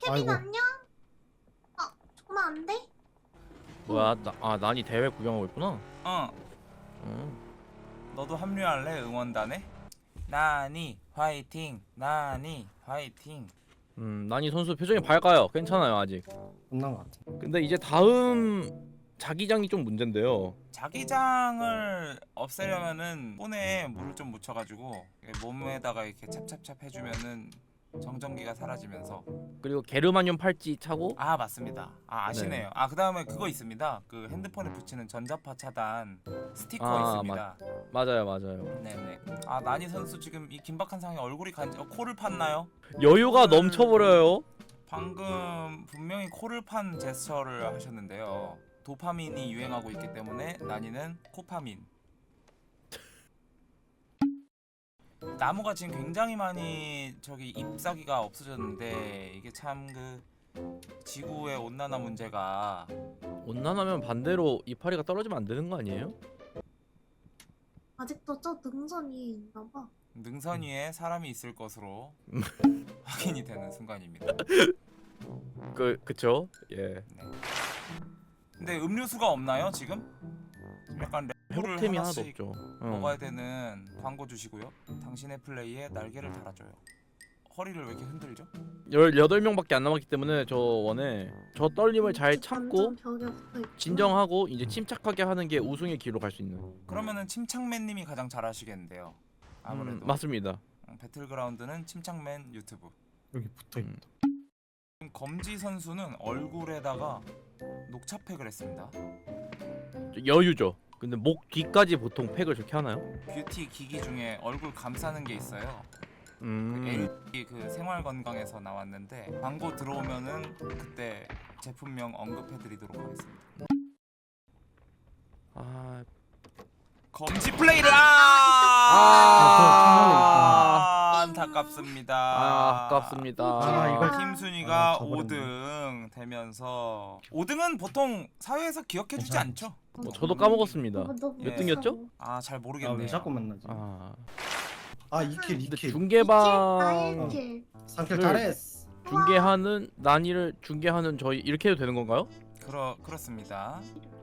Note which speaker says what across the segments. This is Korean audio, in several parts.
Speaker 1: 케빈
Speaker 2: 아이고.
Speaker 1: 안녕? 정말 안 돼?
Speaker 3: 뭐야? 난이 대회 구경하고 있구나.
Speaker 4: 어, 너도 합류할래? 응원단에? 나니 화이팅! 나니 화이팅!
Speaker 3: 난이 선수 표정이 밝아요. 괜찮아요 아직.
Speaker 2: 끝난 것 같아.
Speaker 3: 근데 이제 다음 자기장이 좀 문제인데요.
Speaker 4: 자기장을 없애려면은 손에 물을 좀 묻혀가지고 몸에다가 이렇게 찹찹찹 해주면은 정전기가 사라지면서.
Speaker 3: 그리고 게르마늄 팔찌 차고.
Speaker 4: 아 맞습니다. 아시네요. 그 다음에 그거 있습니다. 그 핸드폰에 붙이는 전자파 차단 스티커 있습니다.
Speaker 3: 맞아요.
Speaker 4: 네네. 나니 선수 지금 이 긴박한 상황에 얼굴이 코를 팠나요?
Speaker 3: 여유가
Speaker 4: 오늘-
Speaker 3: 넘쳐버려요.
Speaker 4: 방금 분명히 코를 판 제스처를 하셨는데요. 도파민이 유행하고 있기 때문에 나니는 코파민. 나무가 지금 굉장히 많이 저기 잎사귀가 없어졌는데 이게 참 그 지구의 온난화 문제가
Speaker 3: 온난하면 반대로 이파리가 떨어지면 안 되는 거 아니에요?
Speaker 1: 아직도 저 능선 위에 있나 봐.
Speaker 4: 능선 위에 사람이 있을 것으로 확인이 되는 순간입니다.
Speaker 3: 그쵸? 예.
Speaker 4: 네. 근데 음료수가 없나요 지금? 지금 약간 레몬을
Speaker 3: 회복템이 하나도
Speaker 4: 하나씩
Speaker 3: 없죠.
Speaker 4: 먹어야 되는 광고 주시고요. 당신의 플레이에 날개를 달아줘요. 허리를 왜 이렇게 흔들죠?
Speaker 3: 18명밖에 안 남았기 때문에 저 원에 저 떨림을 잘 참고
Speaker 1: 완전 벽에 붙어있구나.
Speaker 3: 진정하고 이제 침착하게 하는 게 우승의 길로 갈 수 있는.
Speaker 4: 그러면은 침착맨님이 가장 잘하시겠는데요. 아무래도
Speaker 3: 맞습니다.
Speaker 4: 배틀그라운드는 침착맨 유튜브.
Speaker 2: 여기 붙어 있다.
Speaker 4: 지금 검지 선수는 얼굴에다가 녹차팩을 했습니다.
Speaker 3: 여유죠. 근데 목 뒤까지 보통 팩을 저렇게 하나요?
Speaker 4: 뷰티 기기 중에 얼굴 감싸는 게 있어요. LG 그 생활건강에서 나왔는데 광고 들어오면은 그때 제품명 언급해드리도록 하겠습니다. 검지 플레이를 안타깝습니다.
Speaker 3: 아깝습니다.
Speaker 2: 이걸
Speaker 4: 팀순위가
Speaker 2: 저버렸네.
Speaker 4: 5등 되면서 5등은 보통 사회에서 기억해주지
Speaker 2: 괜찮아.
Speaker 4: 않죠?
Speaker 3: 저도 까먹었습니다.
Speaker 1: 너무
Speaker 4: 몇
Speaker 3: 등이었죠?
Speaker 4: 잘
Speaker 2: 아,
Speaker 4: 모르겠네요.
Speaker 2: 왜 자꾸 만나지?
Speaker 3: 아,
Speaker 2: 2킬,
Speaker 3: 근데
Speaker 2: 2킬.
Speaker 3: 중계방
Speaker 1: 1킬.
Speaker 2: 3킬 잘했어.
Speaker 3: 중계하는 난이를 중계하는 저희 이렇게 해도 되는 건가요?
Speaker 4: 그렇습니다.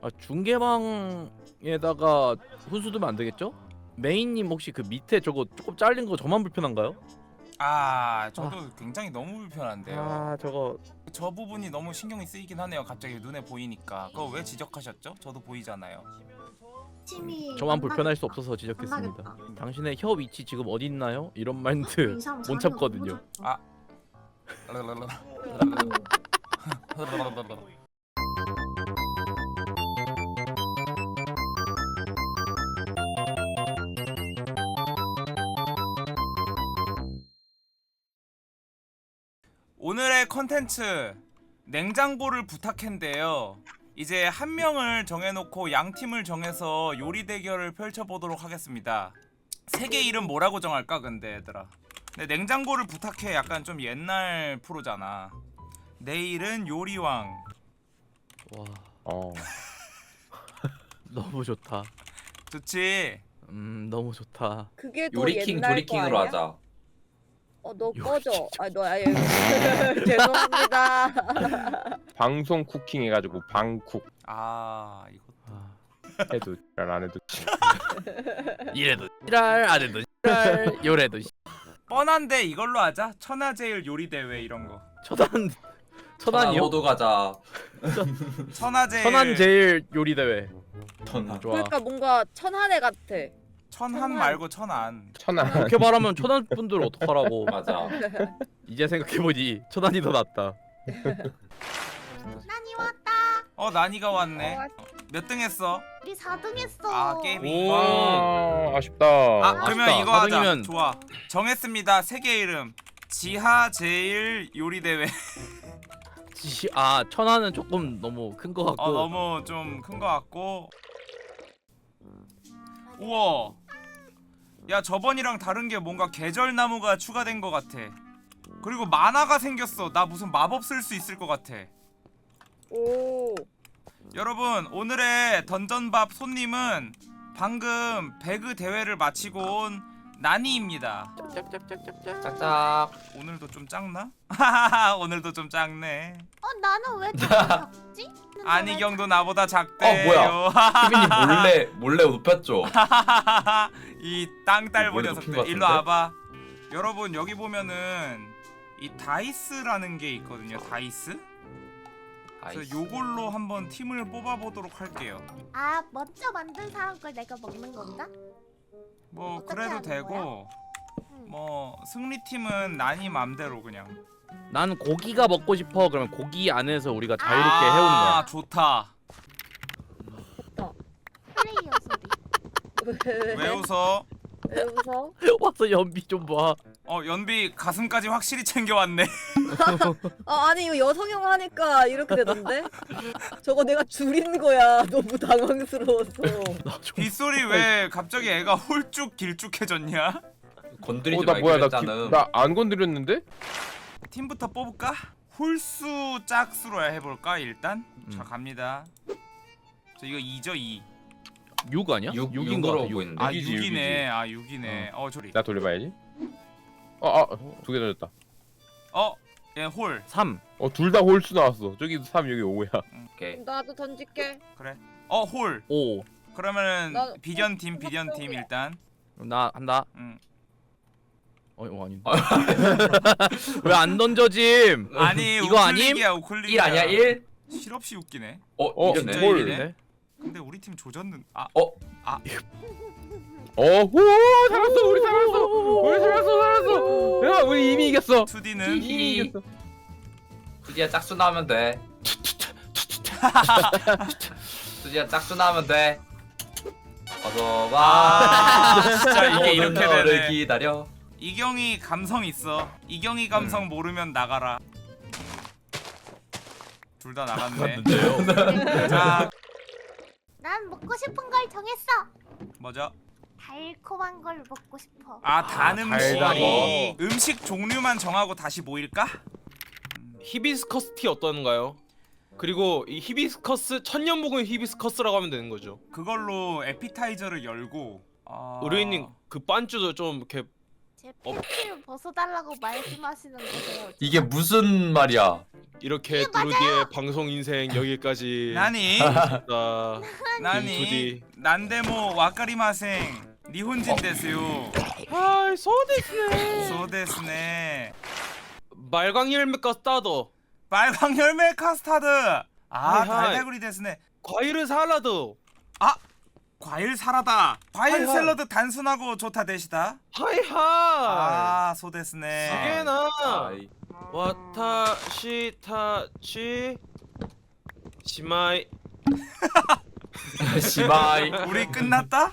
Speaker 3: 중계방에다가 훈수 두면 안 되겠죠? 메인님 혹시 그 밑에 저거 조금 잘린 거 저만 불편한가요?
Speaker 4: 저도 굉장히 너무 불편한데요.
Speaker 3: 저거
Speaker 4: 저 부분이 너무 신경이 쓰이긴 하네요. 갑자기 눈에 보이니까. 그거 왜 지적하셨죠? 저도 보이잖아요.
Speaker 1: 팀이
Speaker 3: 저만
Speaker 1: 안
Speaker 3: 불편할 수
Speaker 1: 나겠다.
Speaker 3: 없어서 지적했습니다.
Speaker 1: 안 나겠다.
Speaker 3: 당신의 혀 위치 지금 어디 있나요? 이런 멘트
Speaker 1: 이 사람
Speaker 3: 못
Speaker 1: 자리가
Speaker 3: 참거든요.
Speaker 1: 너무
Speaker 4: 오늘의 컨텐츠 냉장고를 부탁했는데요. 이제 한 명을 정해놓고 양 팀을 정해서 요리 대결을 펼쳐보도록 하겠습니다. 세계 이름 뭐라고 정할까 근데 얘들아. 근데 냉장고를 부탁해 약간 좀 옛날 프로잖아. 내일은 요리왕.
Speaker 3: 와, 너무 좋다.
Speaker 4: 좋지?
Speaker 3: 너무 좋다.
Speaker 5: 그게 더
Speaker 6: 요리킹
Speaker 5: 옛날
Speaker 6: 조리킹으로
Speaker 5: 거 아니야?
Speaker 6: 하자.
Speaker 5: 너 꺼져. 죄송합니다.
Speaker 7: 방송 쿠킹 해가지고 방쿡
Speaker 4: 이거
Speaker 7: 해도 안 해도
Speaker 3: 이래도 지랄, 안 해도 지랄, 요래도
Speaker 4: 뻔한데 이걸로 하자. 천하제일 요리 대회 이런 거.
Speaker 3: 천안이요?
Speaker 6: 호도 가자.
Speaker 4: 천하제일.
Speaker 3: 천안 제일 요리 대회.
Speaker 6: 천안.
Speaker 3: 좋아.
Speaker 5: 그러니까 뭔가 천한해 같아.
Speaker 4: 천한 말고 천안.
Speaker 7: 천안.
Speaker 3: 그렇게 말하면 천안 분들 어떡하라고.
Speaker 6: 맞아.
Speaker 3: 이제 생각해보니 천안이 더 낫다.
Speaker 1: 난이 왔다.
Speaker 4: 나니가 왔네. 몇 등 했어?
Speaker 1: 우리 4등 했어.
Speaker 4: 게임이.
Speaker 7: 아쉽다.
Speaker 4: 그러면
Speaker 3: 아쉽다.
Speaker 4: 이거 하자.
Speaker 3: 4등이면
Speaker 4: 좋아. 정했습니다. 세계 이름. 지하 제일 요리 대회.
Speaker 3: 천안은 조금 너무 큰 거 같고.
Speaker 4: 너무 좀 큰 거 같고. 우와. 야 저번이랑 다른 게 뭔가 계절나무가 추가된 거 같아. 그리고 만화가 생겼어. 나 무슨 마법 쓸 수 있을 것 같아.
Speaker 5: 오.
Speaker 4: 여러분 오늘의 던전밥 손님은 방금 배그 대회를 마치고 온 나니입니다.
Speaker 3: 짝짝짝짝짝.
Speaker 6: 짝짝.
Speaker 4: 오늘도 좀 작나? 오늘도 좀 작네.
Speaker 1: 나는 왜 작지?
Speaker 4: 안희경도 나보다 작대요.
Speaker 6: 희빈이 몰래 눕혔죠.
Speaker 4: 이 땅딸보
Speaker 6: 머리
Speaker 4: 녀석들
Speaker 6: 높인 것
Speaker 4: 일로
Speaker 6: 같은데?
Speaker 4: 와봐. 여러분 여기 보면은 이 다이스라는 게 있거든요. 다이스. 그래서 요걸로 한번 팀을 뽑아보도록 할게요.
Speaker 1: 먼저 만든 사람 걸 내가 먹는 건가?
Speaker 4: 뭐
Speaker 1: 어떻게
Speaker 4: 그래도
Speaker 1: 하는
Speaker 4: 되고
Speaker 1: 응.
Speaker 4: 뭐 승리팀은 나니 맘대로 그냥.
Speaker 3: 난 고기가 먹고 싶어. 그러면 고기 안에서 우리가 자유롭게 해오는 거야.
Speaker 4: 아 좋다.
Speaker 1: 플레이어 소리.
Speaker 4: 왜 웃어?
Speaker 5: 왜 웃어?
Speaker 3: 와서 연비 좀 봐.
Speaker 4: 연비 가슴까지 확실히 챙겨왔네.
Speaker 5: 아니 이거 여성형 하니까 이렇게 되던데? 저거 내가 줄인 거야. 너무 당황스러워서.
Speaker 4: 빗소리 왜 갑자기 애가 홀쭉 길쭉해졌냐?
Speaker 6: 건드리지
Speaker 7: 나
Speaker 6: 말기로
Speaker 7: 뭐야
Speaker 6: 했잖아.
Speaker 7: 나 안 건드렸는데?
Speaker 4: 팀부터 뽑을까? 홀수 짝수로 해볼까 일단? 자 갑니다. 저 이거 2죠 2.
Speaker 3: 6 아니야? 6인 거
Speaker 6: 6으로
Speaker 3: 같아.
Speaker 6: 오고 있는데.
Speaker 4: 아
Speaker 7: 육이지,
Speaker 4: 6이네. 아 6이네. 저리.
Speaker 7: 나 돌려봐야지. 두 개 던졌다.
Speaker 4: 얘 홀.
Speaker 3: 3.
Speaker 7: 둘 다 홀수 나왔어. 저기 3 여기 5야.
Speaker 6: 오케이.
Speaker 5: 나도 던질게.
Speaker 4: 그래. 홀.
Speaker 3: 5.
Speaker 4: 그러면은
Speaker 5: 나-
Speaker 4: 비견 팀 일단.
Speaker 3: 나 한다.
Speaker 4: 응.
Speaker 3: 아닌데. 왜 안 던져짐?
Speaker 4: 아니
Speaker 3: 이거 아님?
Speaker 4: 우클릭이야
Speaker 6: 1
Speaker 4: 우클릭이야.
Speaker 6: 아니야 1?
Speaker 4: 실없이 웃기네.
Speaker 6: 이겼네.
Speaker 4: 진짜
Speaker 7: 홀.
Speaker 4: 이기네. 근데 우리 팀 조졌는.
Speaker 7: 오 살았어. 우리 살았어. 야 우리 이미 이겼어.
Speaker 4: 2D는
Speaker 6: 히히.
Speaker 7: 이겼어.
Speaker 6: 수지야 짝수 나오면 돼. 수지야 짝수 나오면 돼. 어서 와.
Speaker 4: 진짜 이게 이렇게
Speaker 6: 너를
Speaker 4: 되네.
Speaker 6: 기다려.
Speaker 4: 이경이 감성 있어. 이경이 감성 모르면 나가라. 둘 다 나갔네. 자,
Speaker 1: 난 먹고 싶은 걸 정했어.
Speaker 4: 뭐죠?
Speaker 1: 달콤한 걸 먹고 싶어.
Speaker 4: 단 음식.
Speaker 6: 달달이.
Speaker 4: 음식 종류만 정하고 다시 모일까?
Speaker 8: 히비스커스 티 어떤가요? 그리고 이 히비스커스 천년묵은 히비스커스라고 하면 되는 거죠.
Speaker 4: 그걸로 에피타이저를 열고.
Speaker 8: 의뢰인님 그 반주도 좀 이렇게
Speaker 1: 제 팬티를 벗어달라고 말씀하시는 거세요.
Speaker 6: 이게 무슨 말이야?
Speaker 8: 이렇게 두루디의 방송 인생 여기까지
Speaker 4: 나니?
Speaker 8: 나
Speaker 4: 나니? 난데모 와카리마생. 니혼진 데스요.
Speaker 8: 하이 소데스네.
Speaker 4: 소데스네.
Speaker 8: 말광 열매 카스타드,
Speaker 4: 빨강 열매 카스타드.
Speaker 8: 하이.
Speaker 4: 달달구리 데스네.
Speaker 8: 과일은 살라드.
Speaker 4: 과일 사라다. 과일
Speaker 8: 하이, 하이.
Speaker 4: 샐러드 단순하고 좋다 대시다.
Speaker 8: 하이하이.
Speaker 4: 소데스네.
Speaker 8: 시게나
Speaker 6: 아이.
Speaker 8: 와타시타치 시마이.
Speaker 6: 시바이.
Speaker 4: 우리 끝났다?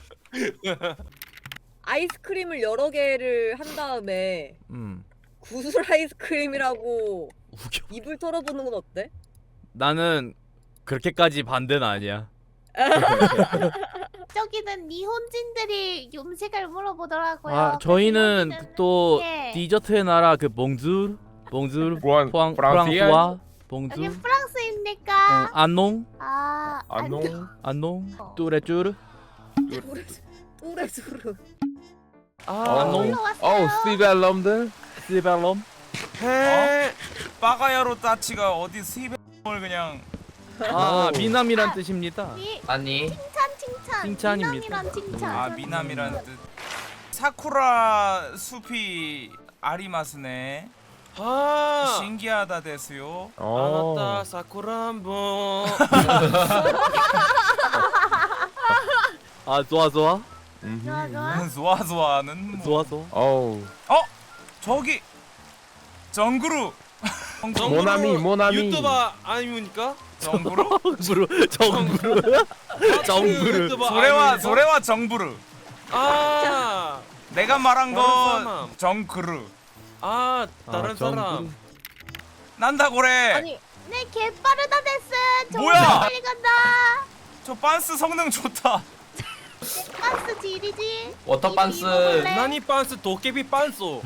Speaker 5: 아이스크림을 여러 개를 한 다음에 구슬 아이스크림이라고
Speaker 3: 웃겨.
Speaker 5: 입을 털어보는 건 어때?
Speaker 3: 나는 그렇게까지 반대는 아니야.
Speaker 1: 저기는 니혼진들이 음식을 물어보더라고요.
Speaker 3: 저희는
Speaker 1: 여기는-
Speaker 3: 또
Speaker 1: 예.
Speaker 3: 디저트의 나라 그 봉주르
Speaker 7: 프랑스이야?
Speaker 3: 프랑스와
Speaker 1: 여기
Speaker 3: 봉주
Speaker 1: 프랑스입니까?
Speaker 3: 안농
Speaker 7: 안녕.
Speaker 3: 안농
Speaker 1: 어.
Speaker 3: 뚜레쭈르
Speaker 5: 또레수르.
Speaker 3: 안농
Speaker 1: 올라왔어요.
Speaker 7: 스티벨럼들.
Speaker 3: 시벨롬
Speaker 4: 빠가야로 따치가 어디 스입을 그냥.
Speaker 3: 미남이란 뜻입니다.
Speaker 6: 아니.
Speaker 1: 칭찬.
Speaker 3: 칭찬입니다.
Speaker 1: 미남이란 칭찬.
Speaker 4: 미남이라는 뜻. 사쿠라 숲이 아리마스네. 신기하다 데스요.
Speaker 8: 아나타 사쿠라 한번.
Speaker 3: 좋아
Speaker 1: 좋아.
Speaker 4: 좋아는 뭐.
Speaker 3: 좋아 좋아.
Speaker 7: 어우.
Speaker 4: 저기 정그루.
Speaker 7: 모나미.
Speaker 8: 유튜버 아닙니까?
Speaker 4: 정그루?
Speaker 3: 정부르 정부르.
Speaker 8: 유튜버
Speaker 4: 소레와
Speaker 8: 아닙니까?
Speaker 4: 정부르.
Speaker 8: 아,
Speaker 4: 내가 말한
Speaker 8: 다른
Speaker 4: 건
Speaker 8: 사람.
Speaker 4: 정그루.
Speaker 8: 다른 사람.
Speaker 4: 난다고래.
Speaker 5: 아니
Speaker 1: 네, 개빠르다 데스.
Speaker 4: 뭐야?
Speaker 1: 정말 빨리 간다.
Speaker 4: 저 빤스 성능 좋다.
Speaker 1: 빤스 지리지.
Speaker 6: 워터 빤스.
Speaker 8: 나니 빤스 도깨비 빤소.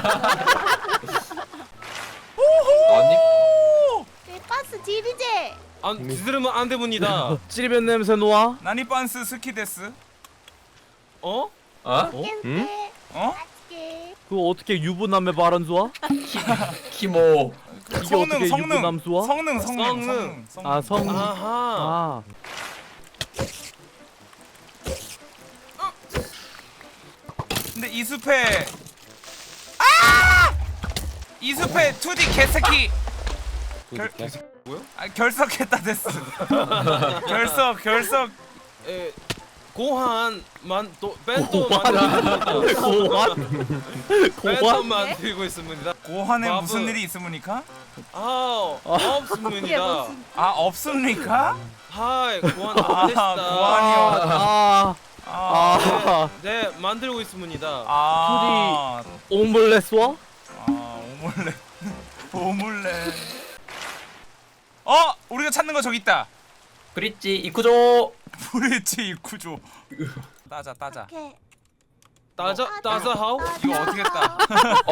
Speaker 6: 아니.
Speaker 1: 네, 빤스 지리지.
Speaker 8: 안 들으면 안 됩니다.
Speaker 3: 찌르면 냄새 놓아.
Speaker 4: 나니 빤스 스키데스.
Speaker 8: 어?
Speaker 6: 어?
Speaker 1: 깬세.
Speaker 7: 응?
Speaker 4: 어?
Speaker 1: 맛있게.
Speaker 3: 그거 어떻게 유부남의 발언 수와?
Speaker 6: 키모.
Speaker 3: 이게 어떻게
Speaker 4: 성능
Speaker 3: 유부남 수와?
Speaker 4: 성능
Speaker 3: 아 성.
Speaker 8: 아하.
Speaker 3: 아.
Speaker 4: 근데 이 숲에 이 숲에 2D 개새끼 결석했다 됐어. 결석
Speaker 8: 에 고한만 또 벤또 만들고
Speaker 3: 고환?
Speaker 8: 벤또
Speaker 3: 고환?
Speaker 8: 만들고 있습니다.
Speaker 4: 고환에
Speaker 8: 바보.
Speaker 4: 무슨 일이 있습니까?
Speaker 8: 아 없습니다.
Speaker 4: 아 없습니까?
Speaker 8: 하이 고한
Speaker 4: 아,
Speaker 8: 안됐다.
Speaker 4: 고환이요.
Speaker 3: 아.
Speaker 8: 네 만들고 있습니다.
Speaker 4: 아
Speaker 3: 오믈렛과?
Speaker 4: 오믈렛. 우리가 찾는 거 저기 있다.
Speaker 6: 그릿지 이쿠조.
Speaker 4: 브릿지 이쿠조. 따자.
Speaker 1: 오케이.
Speaker 8: 따자 하우?
Speaker 4: 이거 어떻게 따?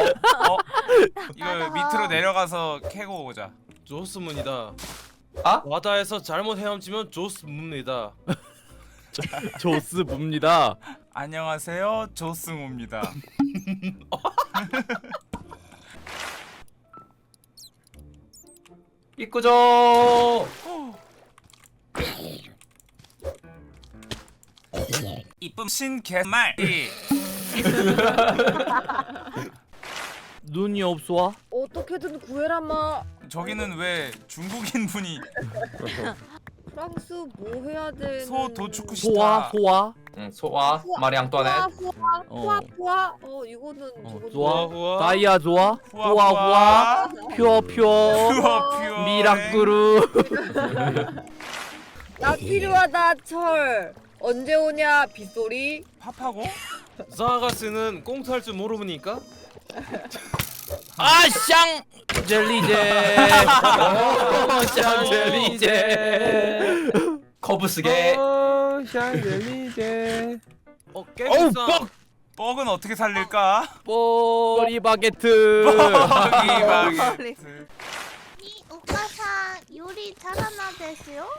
Speaker 4: 이거 밑으로 내려가서 캐고 오자.
Speaker 8: 좋습니다.
Speaker 6: 아?
Speaker 8: 바다에서 잘못 헤엄치면 좋습니다.
Speaker 3: 조스 봅니다.
Speaker 4: 안녕하세요, 조승우입니다.
Speaker 6: 이쿠조.
Speaker 4: 이쁨 신개말.
Speaker 3: 눈이 없어?
Speaker 5: 어떻게든 구해라마.
Speaker 4: 저기는 왜 중국인 분이
Speaker 5: 프랑스 뭐 해야 돼?
Speaker 4: 소 도축쿠시타.
Speaker 3: 소아?
Speaker 6: 응, 소아 마리 앙뚜아넷.
Speaker 5: 후아. 이거는 저거
Speaker 3: 좋아.
Speaker 8: 후아.
Speaker 3: 다이아 좋아? 후아. 퓨어.
Speaker 4: 퓨어.
Speaker 3: 미라꾸루.
Speaker 5: 나 필요하다 철. 언제 오냐 빗소리.
Speaker 4: 팝하고?
Speaker 8: 자가스는 꽁트할 줄 모르니까?
Speaker 3: 아샹 젤리제. 샹 젤리제.
Speaker 6: 커브스게.
Speaker 7: 샹젤리제.
Speaker 3: 어우
Speaker 8: 깨비싸.
Speaker 4: 뻑은 어떻게 살릴까?
Speaker 3: 뽀리 바게트.
Speaker 4: 뻑이 바게트.
Speaker 1: 이 오카상 요리 잘하나 됐어요?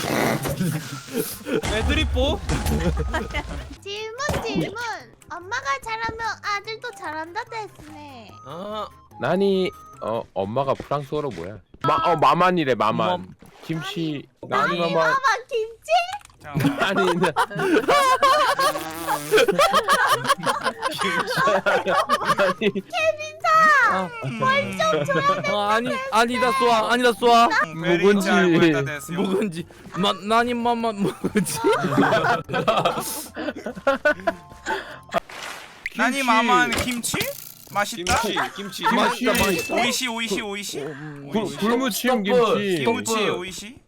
Speaker 8: 애드리뽀?
Speaker 1: 질문. 엄마가 잘하면 아들도 잘한다 됐네.
Speaker 8: 아
Speaker 7: 나니 엄마가 프랑스어로 뭐야? 마만이래 마만. 김치 나니 마만.
Speaker 1: 마마 김치?
Speaker 4: 잠깐만.
Speaker 7: 아니
Speaker 3: 아니다 쏘아.
Speaker 7: 묵은지.
Speaker 3: 묵은지. 나니 마마 묵은지.
Speaker 4: 나니 마만 김치? 맛있다.
Speaker 8: 김치.
Speaker 3: 맛있다.
Speaker 4: 오이시.
Speaker 7: 굴무침 김치.
Speaker 4: 김치 오이시.